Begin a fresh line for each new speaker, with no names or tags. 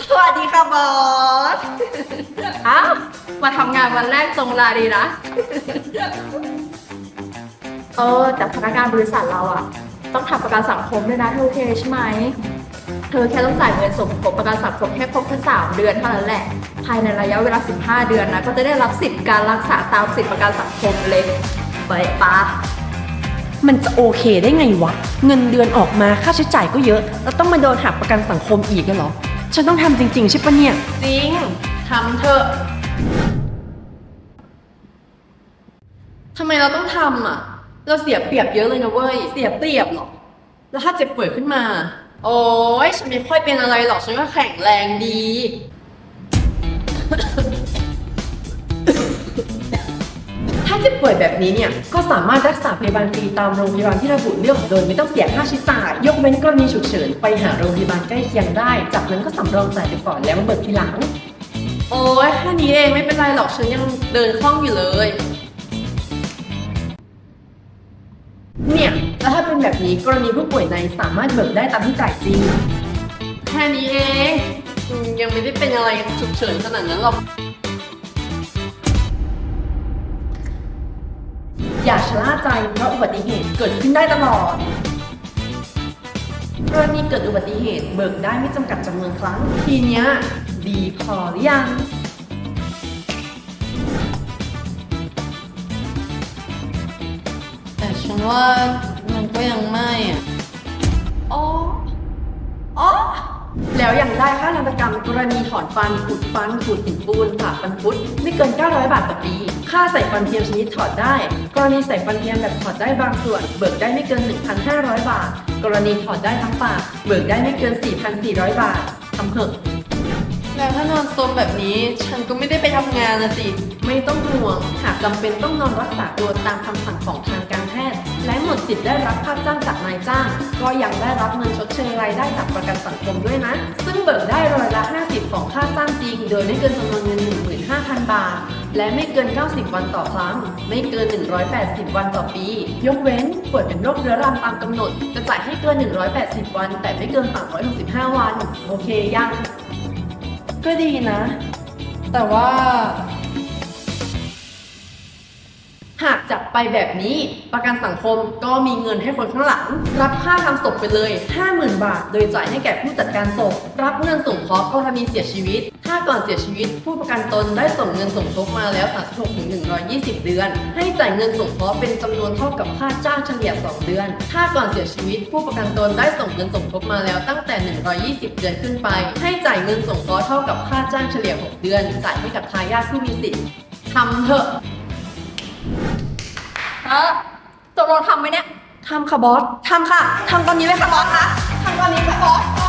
สวัสดีค่ะบอสอ้าวมาทำงานวันแรกตรงเวลาดีนะ แต่พนักงานบริษัทเราอะต้องทำประกันสังคมด้วยนะเธอโอเคใช่ไหม เธอแค่ต้องจ่ายเงินสมทบประกันสังคมให้ครบแค่3 เดือนเท่านั้นแหละ ภายในระยะเวลา15 เดือนนะก็จะได้รับสิทธิการรักษาตามสิทธิประกันสังคมเลยไปปะ
มันจะโอเคได้ไงวะ เงินเดือนออกมาค่าใช้จ่ายก็เยอะ แล้วต้องมาโดนหักประกันสังคมอีกเหรอ ฉันต้องทำจริงๆใช่ปะเนี่ย
จริงทำเถอะทำไมเราต้องทำอ่ะ เราเสียเปรียบเยอะเลยนะเว้ย เสียเปรียบหรอ แล้วถ้าเจ็บป่วยขึ้นมา โอ้ยฉันไม่ค่อยเป็นอะไรหรอก ฉันก็แข็งแรงดี
ถ้าเจ็บป่วยแบบนี้เนี่ย ก็สามารถรักษาพยาบาลฟรีตามโรงพยาบาลที่ระบุเลือกโดยไม่ต้องเสียค่าใช้จ่าย ยกเว้นกรณีฉุกเฉินไปหาโรงพยาบาลใกล้เคียงได้ จากนั้นก็สำรองจ่ายไปก่อนแล้วมาเบิกทีหลัง
โอ้ยแค่นี้เองไม่เป็นไรหรอก ฉันยังเดินคล่องอยู่เลย
เนี่ย แล้วถ้าเป็นแบบนี้กรณีผู้ป่วยในสามารถเบิกได้ตามที่จ่ายจริง
แค่นี้เองยังไม่ได้เป็นอะไรฉุกเฉินขนาดนั้นหรอก
อย่าชะล่าใจเพราะอุบัติเหตุเกิดขึ้นได้ตลอด กรณีเกิดอุบัติเหตุเบิกได้ไม่จำกัดจำนวนครั้ง ทีเนี้ยดีพอหรือยัง
แต่ฉันว่ามันก็ยังไม่อ่ะ อ๋อ อ๋อ
แล้วยังได้ค่าทันตกรรมกรณีถอนฟันขูดฟันขูดหินปูนผ่าฟันคุดไม่เกิน 900 บาทต่อปี ค่าใส่ฟันเทียมชนิดถอดได้ กรณีใส่ฟันเทียมแบบถอดได้บางส่วน เบิกได้ไม่เกิน 1,500 บาท กรณีถอดได้ทั้งปากเบิกได้ไม่เกิน 4,400 บาททำเถอะ
แล้วถ้านอนซมแบบนี้ฉันก็ไม่ได้ไปทำงานนะสิ
ไม่ต้องห่วง หากจำเป็นต้องนอนรักษาตัวตามคำสั่งของทางการแพทย์ และหมดสิทธิ์ได้รับค่าจ้างจากนายจ้าง ก็ยังได้รับเงินชดเชยรายได้จากประกันสังคมด้วยนะ ซึ่งเบิกได้ร้อยละ 50 ของค่าจ้างจริง โดยไม่เกินจำนวนเงิน 15,000 บาท และไม่เกิน 90 วันต่อครั้ง ไม่เกิน 180 วันต่อปี ยกเว้นป่วยเป็นโรคเรื้อรังตามกำหนด จะจ่ายให้เกิน 180 วัน แต่ไม่เกิน 365 วัน โอเคยัง
ก็ดีนะ แต่ว่า
หากจับไปแบบนี้ประกันสังคมก็มีเงินให้คนข้างหลัง รับค่าทำศพไปเลย 50,000 บาท โดยจ่ายให้แก่ผู้จัดการศพ รับเงินสงเคราะห์กรณีเสียชีวิต ถ้าก่อนเสียชีวิต ผู้ประกันตนได้ส่งเงินสมทบมาแล้ว36ถึง120 เดือน ให้จ่ายเงินสงเคราะห์เป็นจำนวนเท่ากับค่าจ้างเฉลี่ย2 เดือน ถ้าก่อนเสียชีวิต ผู้ประกันตนได้ส่งเงินสมทบมาแล้วตั้งแต่120 เดือนขึ้นไป ให้จ่ายเงินสงเคราะห์เท่ากับค่าจ้างเฉลี่ย6 เดือน จ่ายให้กับทายาทผู้มีสิทธิ์ทำเถอะ
ตกลงทำไหมเนี่ย
ทำค่ะบอส ทำค่ะ ทำตอนนี้เลยค่ะบอสคะทำตอนนี้ค่ะบอส